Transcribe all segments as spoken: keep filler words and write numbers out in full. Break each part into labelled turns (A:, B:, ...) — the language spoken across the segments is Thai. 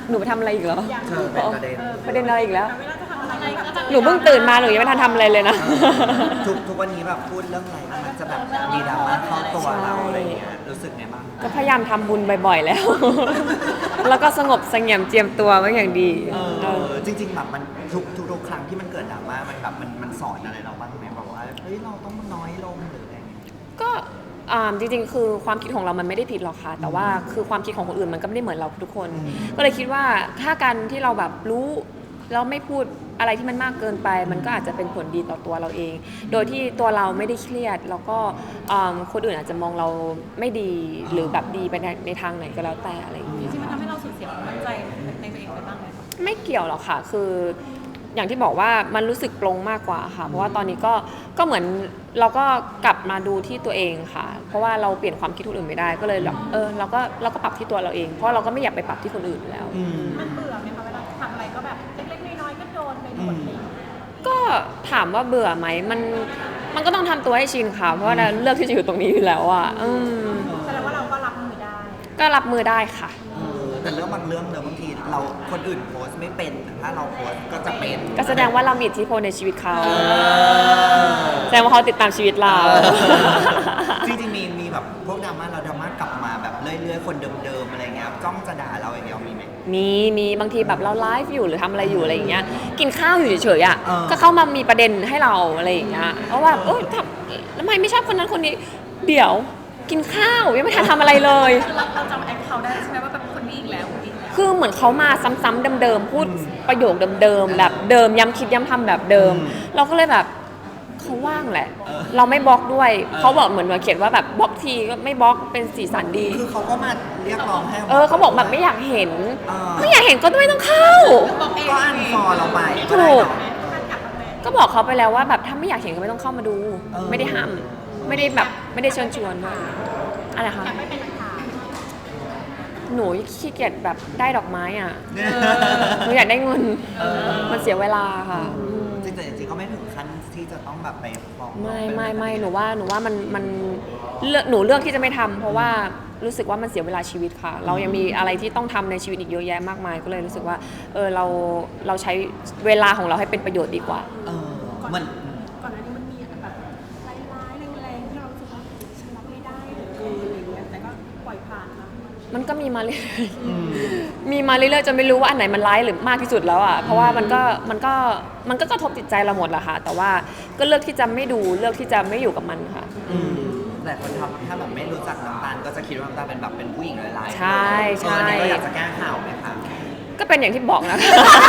A: หนูไปทำอะไรอีกเหรอ
B: เธอเป็นประเด็น
A: ประเด็นอะไรอีกแล้ว
C: เวลาจะทำอะไรก็จะ
A: หนูเพิ่งตื่นมาหนูยังไม่ทันทำอะไรเลยนะ
B: ทุกทุกวันนี้แบบพูดเรื่องอะไรมันจะแบบมีดราม่าเข้าตัวเราอะไรอย่างเงี้ยรู้สึกไงบ้าง
A: ก็พยายามทำบุญบ่อยๆแล้ว แล้วก็สงบเสงี่ยมเจียมตัวไว้อย่างดี
B: เอ
A: เออ
B: อจริงๆแบบมันทุกทุกทุกครั้งที่มันเกิดดราม่ามันแบบมันมันสอนอะไรเราบ้างไหมแบบว่าเฮ้ยเราต้องน้อยลงหรืออะไรอย่างเงี้ย
A: ก็อ่าจริงๆ คือความคิดของเรามันไม่ได้ผิดหรอกค่ะ แต่ว่าคือความคิดของคนอื่นมันก็ไม่ได้เหมือนเราทุกคน ก็เลยคิดว่าถ้าการที่เราแบบรู้แล้วไม่พูดอะไรที่มันมากเกินไป มันก็อาจจะเป็นผลดีต่อตัวเราเอง โดยที่ตัวเราไม่ได้เครียด แล้วก็อ่าคนอื่นอาจจะมองเราไม่ดีหรือแบบดีไปในในทางไหนก็แล้วแต่อะไรอย่างเงี้ย
C: จริงๆมันทำให้เราสูญเสียความมั่นใจในตัวเองไปบ้างไหม
A: ไม่เกี่ยวหรอกค่ะ คืออย่างที่บอกว่ามันรู้สึกปลงมากกว่าค่ะ เพราะว่าตอนนี้ก็ก็เหมือนเราก็กลับมาดูที่ตัวเองค่ะ เพราะว่าเราเปลี่ยนความคิดคนอื่นไม่ได้ ก็เลยแบบเออเราก็เราก็ปรับที่ตัวเราเอง เพราะเราก็ไม่อยากไปปรับที่คนอื่นอยู่แล้ว
C: มันเบื่อไหมคะเวลาทำอะไรก็แบบเล็กๆน้อยๆก็โดนไปหมดเลย
A: ก็ถามว่าเบื่อไหมมันมันก็ต้องทำตัวให้ชินค่ะ เพราะว่าเราเลือกที่จะอยู่ตรงนี้อยู่แล้วอ่ะอืม
C: แสดงว่าเราก็รับมือได้
A: ก็รับมือได้ค่ะ
B: เออแต่เรื่องบางเรื่องเนอะบางทีเราคนอื่นโพสต์ไม่เป็นแต่ถ้าเราโพสต์ก็จะเป็น
A: ก็แสดงว่าเรามีอิทธิพลในชีวิตเขา
B: เออ
A: แสดงว่าเขาติดตามชีวิตเรา
B: จริงๆมีมีแบบพวกดราม่าเราดราม่ากลับมาแบบเรื่อยๆคนเดิมๆอะไรเงี้ยจ้องจะด่าเราอย่างเดียวมีไหม
A: มีมีบางทีแบบเราไลฟ์อยู่หรือทำอะไรอยู่อะไรอย่างเงี้ยกินข้าวอยู่เฉยๆอ่ะ
B: เออ
A: ก็เข้ามามีประเด็นให้เราอะไรอย่างเงี้ยเพราะว่าเออทำทำไมไม่ชอบคนนั้นคนนี้เดี๋ยวกินข้าวยังไม่ทันทำอะไรเลย
C: เราเราจำแอคเขาได้ใช่ไหมว่าแบบคนนี้อีกแล้วคนนี้อีกแล้ว
A: คือเหมือนเขามาซ้ำๆเดิมๆพูดประโยคเดิมๆแบบเดิมย้ำคิดย้ำทำแบบเดิม เราก็เลยแบบเขาว่างแหละ เราไม่บล็อกด้วยเขาบอกเหมือนมาเขียนว่าแบบบล็อกทีก็ไม่บล็อกเป็นสีสันดี
B: คือเขาก็มาเรียกร้องให้
A: เออเขาบอกแบบไม่อยากเห็น
B: เออ
A: ไม่อยากเห็นก็ไม่ต้องเข้า
C: บอกเอง
B: ก็อันฟอลเราไปก็
A: ถู
B: ได้
A: ก
B: เนาะ
A: ก็บอกเขาไปแล้วว่าแบบถ้าไม่อยากเห็นก็ไม่ต้องเข้ามาดู
B: เออ
A: ไม่ได้ห้ามไม่ได้แบบไม่ได้เชิญชวนด้วยอะไรคะ
C: ไม่เป็นปัญหา
A: หนูขี้เกียจแบบได้ดอกไม้อ่ะ
B: เนี่ย
A: หนูอยากได้เงิน
B: เออ
A: มันเสียเวลาค่ะ
B: จริงๆแต่จริงๆก็ไม่ถึงขั้นที่จะต้องแบบไปฟ้อง
A: ไม่ไม่ไม่หนูว่าหนูว่ามันมันเลือกหนูเลือกที่จะไม่ทำเพราะว่ารู้สึกว่ามันเสียเวลาชีวิตค่ะ เรายังมีอะไรที่ต้องทำในชีวิตอีกเยอะแยะมากมาย ก็เลยรู้สึกว่าเออเราเราใช้เวลาของเราให้เป็นประโยชน์ดีกว่า
B: เออมัน
C: ก่อนหน้านี้มันมีแบบร้ายๆแรงๆที่เรารู้สึกว่าฉันรับไม่ได้เหลือเกินอะไรอย่างเงี้ยแต่ก็ปล่อยผ่านมา
A: มันก็มีมาเรื่อยๆมีมาเรื่อยๆจนไม่รู้ว่าอันไหนมันร้ายหรือมากที่สุดแล้วอ่ะ เพราะว่ามันก็มันก็มันก็กระทบจิตใจเราหมดแหละค่ะ แต่ว่าก็เลือกที่จะไม่ดูเลือกที่จะไม่อยู่กับมันค่ะ
B: อืมแต่คนทำถ้าแบบไม่รู้จักน้ำตาลก็จะคิดว่าน้ำตาลเป็นแบบเป็นผู้หญิงร้ายๆ
A: ใช่ใช่
B: เอออันนี้เราอยากจะแก้ข่าวไหมคะ
A: ก็เป็นอย่างที่บอกนะ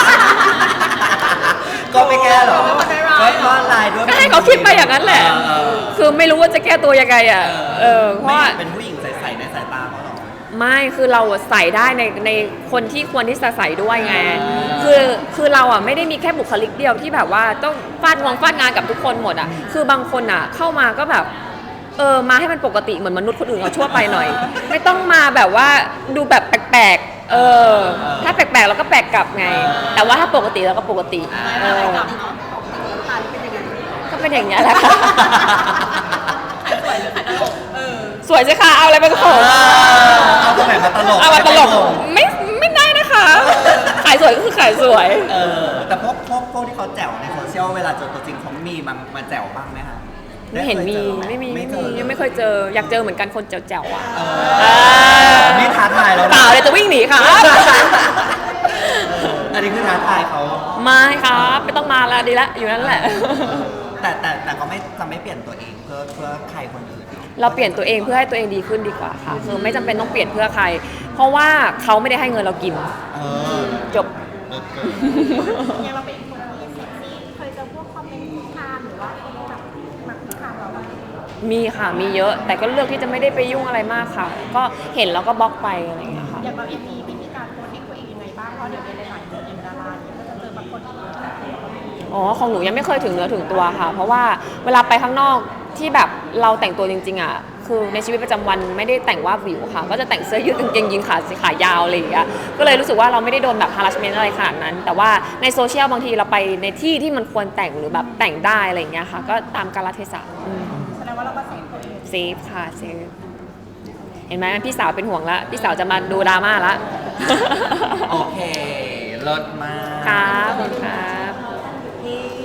B: ก็ไม่แก้หรอก็ก็ลายด้วย
A: ก็ให้เขาคิดไปอย่างนั้นแหละ
B: เออ
A: คือไม่รู้ว่าจะแก้ตัวยังไงอ่ะ เออ เพราะว่า
B: ไม่เป็นผู้หญิงใสๆในสายตาเขาหรอ
A: ไม่ คือเราใส่ได้ในในคนที่ควรที่จะใส่ด้วยไง คือคือเราอ่ะไม่ได้มีแค่บุคลิกเดียวที่แบบว่าต้องฟาดงวงฟาดงานกับทุกคนหมดอ่ะ คือบางคนอ่ะเข้ามาก็แบบ เออ มาให้มันปกติเหมือนมนุษย์คนอื่นเขาชั่วไปหน่อย ไม่ต้องมาแบบว่าดูแบบแปลกๆ เออ ถ้าแปลกๆเราก็แปลกกลับไง แต่ว่าถ้าปกติเราก็ปกติ เออ ก็เป็นอย่างนี้ยแหละค่ะ สวยใช่ค่ะ เอาอะไรมาโขง
B: เอาตรงไหนมาตลก
A: เอามาตลก ไม่ไม่ได้นะคะ ขายสวยก็คือขายสวย
B: เออแต่พวกพวกพวกที่เขาแจ๋วในโซเชียลเวลาเจอตัวจริงเขามีมามาแจ๋วบ้างไหมคะ
A: ไม่เห็นมี ไม่มี ไม่
B: เจ
A: มี
B: อ
A: ยังไม่เคยเจอ อยากเจอเหมือนกันคนแจ๋วๆอ่ะ
B: เอ
A: เอ
B: อ
A: อ
B: นี่ท้าทายแล้วนะ
A: เปล่าเลยจะวิ่งหนีค่ะ
B: อันนี้คือท้าทายเขา
A: ไม่ครับไม่ต้องมาแล้วดีละอยู่นั่นแหละ
B: แต่แต่แต่ก็ไม่จะไม่เปลี่ยนตัวเองเพื่อเพื่อใครคนอื่น
A: เราเปลี่ยนตัวเองเพื่อให้ตัวเองดีขึ้นดีกว่าค่ะ คือไม่จำเป็นต้องเปลี่ยนเพื่อใคร เพราะว่าเขาไม่ได้ให้เงินเรากิน
B: เออ
A: จบ
B: เลิศเกิน
C: ยังเราเป็นอีกคนที่เซ็กซี่เคยเจอพวกคอมเมนต์คุกคามหรือว่าคนแบบมาคุกคามเราบ้าง
A: มีค่ะ มีเยอะ แต่ก็เลือกที่จะไม่ได้ไปยุ่งอะไรมากค่ะ ก็เห็นแล้วก็บล็อกไปอะไรอย่างเงี้ยค่ะ
C: อย่างเราเองมีวิธีการโพสต์ให้ตัวเองยังไงบ้างเพราะเดี๋ยวในหลายๆคนอย่างดาราเนี่ยก็จะเจอบางคนที่แบบเราก็ไม่มี
A: อ๋อ ของหนูยังไม่เคยถึงเนื้อถึงตัวค่ะ เพราะว่าเวลาไปข้างนอกที่แบบเราแต่งตัวจริงๆอ่ะ คือในชีวิตประจำวันไม่ได้แต่งว่าวิวค่ะ ก็จะแต่งเสื้อยืดกางเกงยีนขาสีขายาวอะไรอย่างเงี้ย ก็เลยรู้สึกว่าเราไม่ได้โดนแบบ harassment อะไรขนาดนั้น แต่ว่าในโซเชียลบางทีเราไปในที่ที่มันควรแต่งหรือแบบแต่งได้อะไรอย่างเงี้ยค่ะ ก็ตามกาลเทศะอืม
C: แสดงว่าเราก็เซฟตัวเอง
A: เซฟค่ะเซฟเห็นไหมพี่สาวเป็นห่วงละพี่สาวจะมาดูดราม่าละ
B: โอเคเลิศมาก
A: ค่ะ